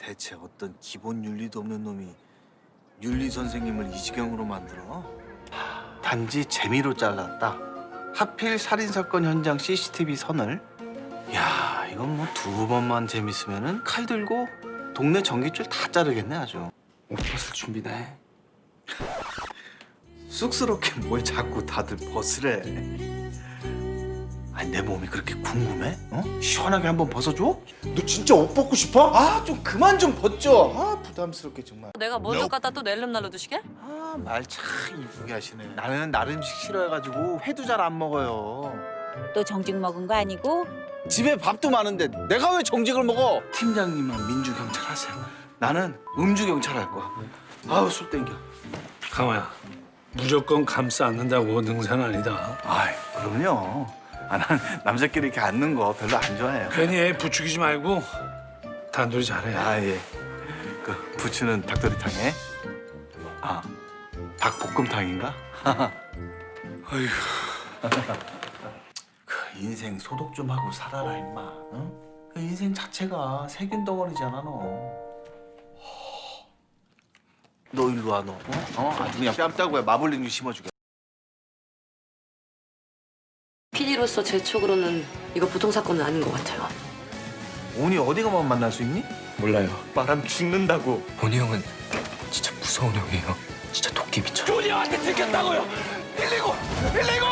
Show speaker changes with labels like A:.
A: 대체 어떤 기본 윤리도 없는 놈이 윤리 선생님을 이 지경으로 만들어? 단지 재미로 잘랐다. 하필 살인 사건 현장 CCTV 선을. 야, 이건 뭐 두 번만 재밌으면은 칼 들고 동네 전기줄 다 자르겠네 아주.
B: 옷 벗을 준비나 해.
A: 쑥스럽게 뭘 자꾸 다들 벗으래. 아니 내 몸이 그렇게 궁금해? 어? 시원하게 한번 벗어줘? 너 진짜 옷 벗고 싶어? 아 좀 그만 좀 벗죠. 아 부담스럽게 정말.
C: 내가 먼저 갖다 또 낼름 날로 두시게?
A: 아 말 참 이쁘게 하시네. 나는 나름 음식 싫어해가지고 회도 잘 안 먹어요.
D: 또 정직 먹은 거 아니고?
A: 집에 밥도 많은데 내가 왜 정직을 먹어? 팀장님은 민주경찰 하세요. 나는 음주경찰 할 거야. 아우 술 땡겨.
E: 강호야, 무조건 감싸 안는다고 능사는 아니다.
A: 아이 그럼요. 아, 난 남자끼리 이렇게 앉는 거 별로 안 좋아해요.
E: 괜히 애 부추기지 말고 단둘이 잘해.
A: 아 예. 그 부추는 닭도리탕에. 아 닭볶음탕인가?
E: 어휴,
A: 그 인생 소독 좀 하고 살아라 임마. 응? 그 인생 자체가 세균 덩어리잖아 너. 너 일로 와 너. 아주 그냥 뺨따구에 마블링 심어주게.
C: PD로서 제 촉으로는 이거 보통 사건은 아닌 것 같아요.
A: 오니 어디 가만 만날 수 있니?
B: 몰라요.
A: 말하면 죽는다고.
B: 본이 형은 진짜 무서운 형이에요. 진짜 도끼 미쳐.
E: 준이 형한테 들켰다고요. 119, 119.